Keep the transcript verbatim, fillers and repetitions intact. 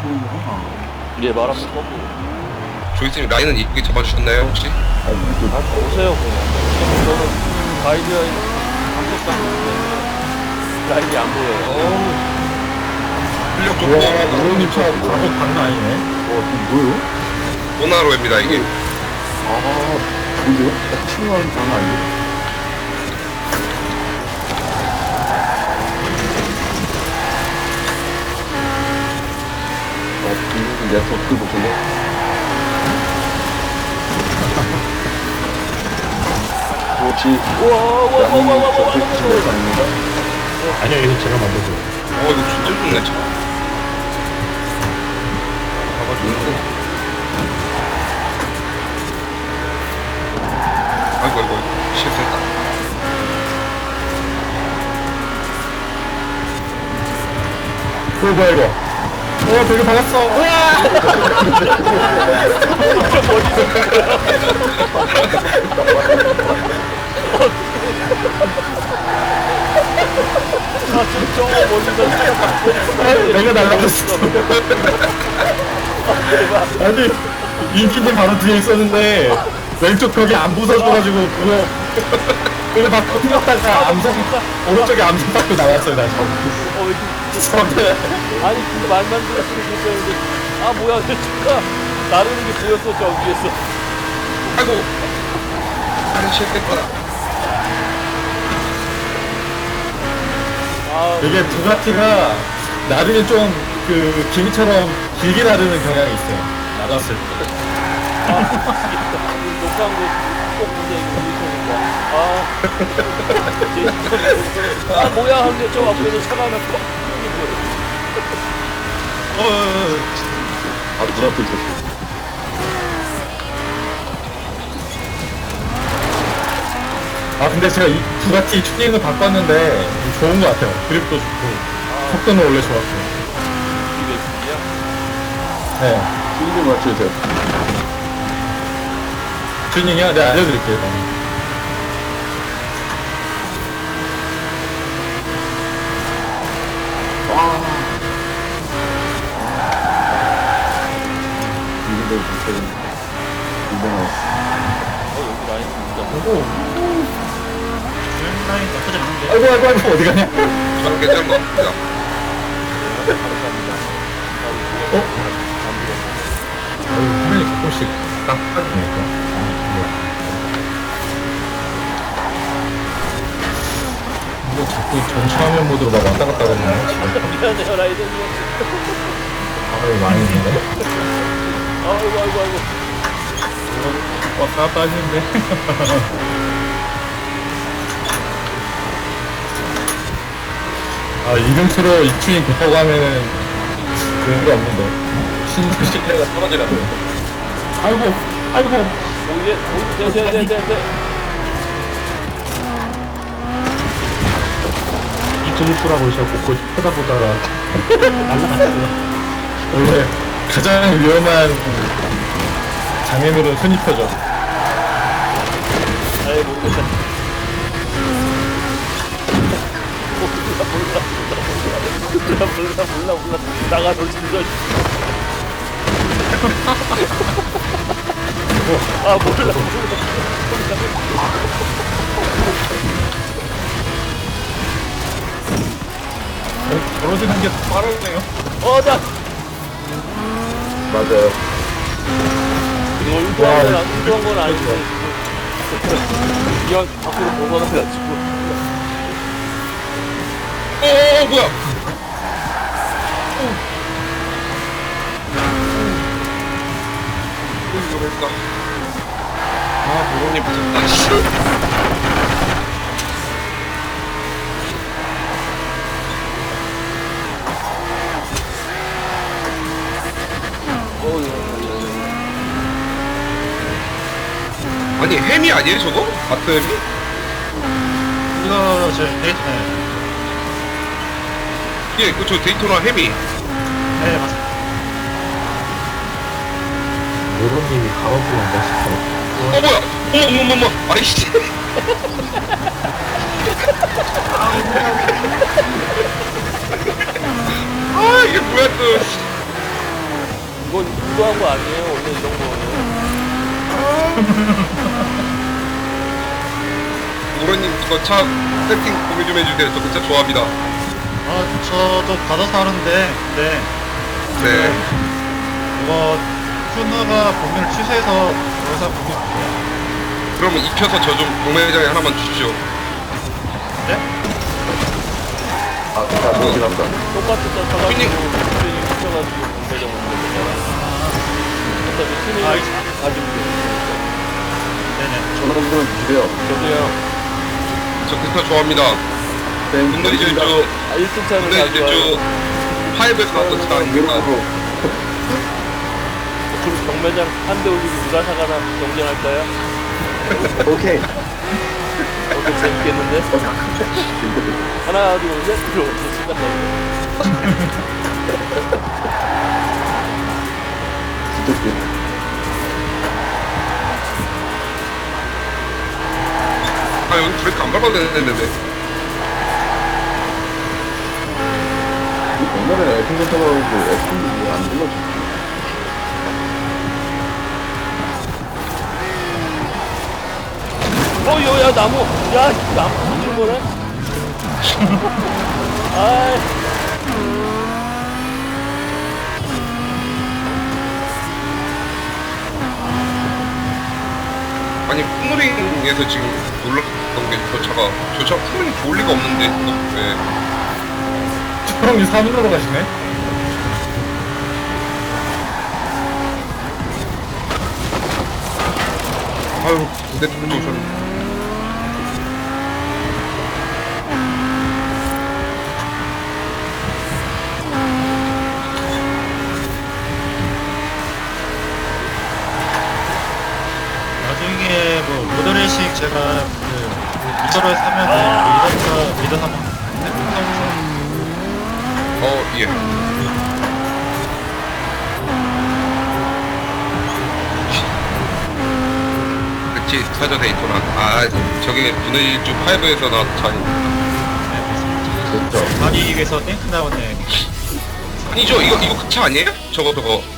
예, 말하면 거꾸로. 조이스님 라인은 이쁘게 잡아주셨나요 혹시? 아, 오세요, 그냥. 저는 가이드라인 감독상 라인이 안 보여요. 어우 실력 좋고 와, 우영님 차 가속 장난 아니네. 와, 이거 뭐예요? 모나로입니다 이게. 아, 뭐예요? 칭얼 장난 아니에요? 어, 내가 더 끌고 볼래? 혹시 우와, 우와, 우와, 우와, 우와, 우와, 저쪽 우와, 집에 우와. 가는가? 아니요, 이거 제가 만들어줘요. 어 이거 진짜 좋네 차. 아이고 아이고 실수했다. 오, 뭐야, 이거. 어, 되게 박았어. 우와! 아, 지금 저 멀리서 차가 아, 내가 날라갔어. 아니, 인기는 바로 뒤에 있었는데, 왼쪽 벽이 안 부서져가지고, 그거, 그거 막 터뜨렸다가 암석, 오른쪽에 암석 받고 나왔어요, 다시. 어, 왜 이렇게. 저한테. 아니, 근데 말만 들었으면 좋겠는데. 아, 뭐야, 내 차가 나르는 게 보였어, 저 위에서. 아이고 아니 실패했다. 아, 이게 부가티가 나르면 좀, 그, 기미처럼 길게 나르는 경향이 있어요. 나갔을 때. 아, 미치겠다. 녹화한 거꼭 보자, 이거 유튜브가. 아, 제 인터넷. 아, 뭐야, 하는데 저 앞에서 차가 하나 퍽 이게 뭐야. 어, 어, 어. 아, 눈앞에 있었어. 아, 근데 제가 이 부가티 튜닝을 바꿨는데, 좋은 것 같아요. 그립도 좋고, 속도는 원래 좋았고. 이게 몇이야? 네. 튜닝 맞춰주세요. 튜닝이요? 네, 알려드릴게요. 그럼. 이분들 못하겠네. 이분은 어, 여기 라인 진짜. 오고. 아이고, 아이고, 아이고, 어디 가냐? 저는 괜찮은 것 같습니다. 감사합니다. 어? 아유, 화면이 가끔씩 딱 빠지니까. 아, 뭐야. 이거 자꾸 전차화면 모드로 막 왔다 갔다 하거든요. 미안해요, 라이더님. 아유, 많이 있는데? 아이고, 아이고, 아이고. 왔다 갔다 하시는데? 아, 이름표로 이 튜닝 급하고 하면은 그런 게 없는데. 신도 신뢰가 떨어지라고요. 아이고, 아이고. 오예, 오예, 네, 네, 네, 네, 네. 이중수라고 제가 곳곳 쳐다보다가 날라갔어요. 원래 가장 위험한 장애물은 손입혀죠. 아이, 모르겠다. 몰라, 몰라, 몰라, 몰라, 몰라, 몰라. 나가, 너 진짜. 아, 몰라, 몰라. 벌어지는 게 빠르네요. 어, 나. 맞아요. 이거 의도한 건, 안- 의도한 건 아닌데. 이왕 밖으로 벗어나가지고. 어, 어, 어 뭐야? 이거 뭘까? 아 모로님 붙었다. 씨. 어, 이거. 아니 햄이 아니에요 저거? 마트 햄이? 이거 저 데이트네. 예, 그저 데이토나 햄이. 네, 맞습니다. 모로님이 가로수만 멋있어. 어 뭐야? 어머 어머 어머 아이씨. 아 이게 뭐야 또. 의도한 거 아니에요. 원래 이런 거는. 우로님 저 차 세팅 공유 좀 해주세요. 저 그 차 좋아합니다. 아, 저도 받아서 하는데, 네. 네. 이거, 큐너가 범위를 취소해서 여기서 범위 줄게요. 그러면 입혀서 저 좀 공매장에 하나만 주십시오. 네? 아, 다 그렇긴 합니다. 똑같은 차 사가지고 튜닝. 튜닝 시켜가지고 공배정 먹는 거잖아. 어차피 튜닝 아, 가지고 돼. 네네. 전화 좀 주세요. 저도요. 저 그 차 좋아합니다. 네, 근데 이제 저 아, 일 등 차는 근데 이제 가져와요. 저 파이브에서 나왔던 차 아닙니까? 외로우로 그럼 경매장 한 대 올리고 누가 사가나 경쟁할까요? 오케이. 어때 재밌겠는데? 하나 둘셋 들어오서 시작하고. 진짜 웃겨. 아 여기 브레이크 안 밟아도 되는데. 옛날에 에스핀 타고 에스핀도 안 불러줘. 어, 요, 야, 나무. 야, 나무 줄 거네? 아이. 아니 풍물링에서 지금 놀랐던 게 저 차가 저 차 풍물링 좋을 리가 없는데. 네. 형이 삼 일로 가시네? 아유 근데 또 오셨네. 나중에 뭐, 모더레이싱 제가 그, 미더를 사면은, 그 미더, 미더 사면, 네? 어 예. 그치 사저 데이토나. 아 저게 분해일주 파이브에서 나왔던 차 아닙니까? 진짜. 가기 위해서 땡크 나오네. 아니죠 이거 이거 그 차 아니에요? 저거 저거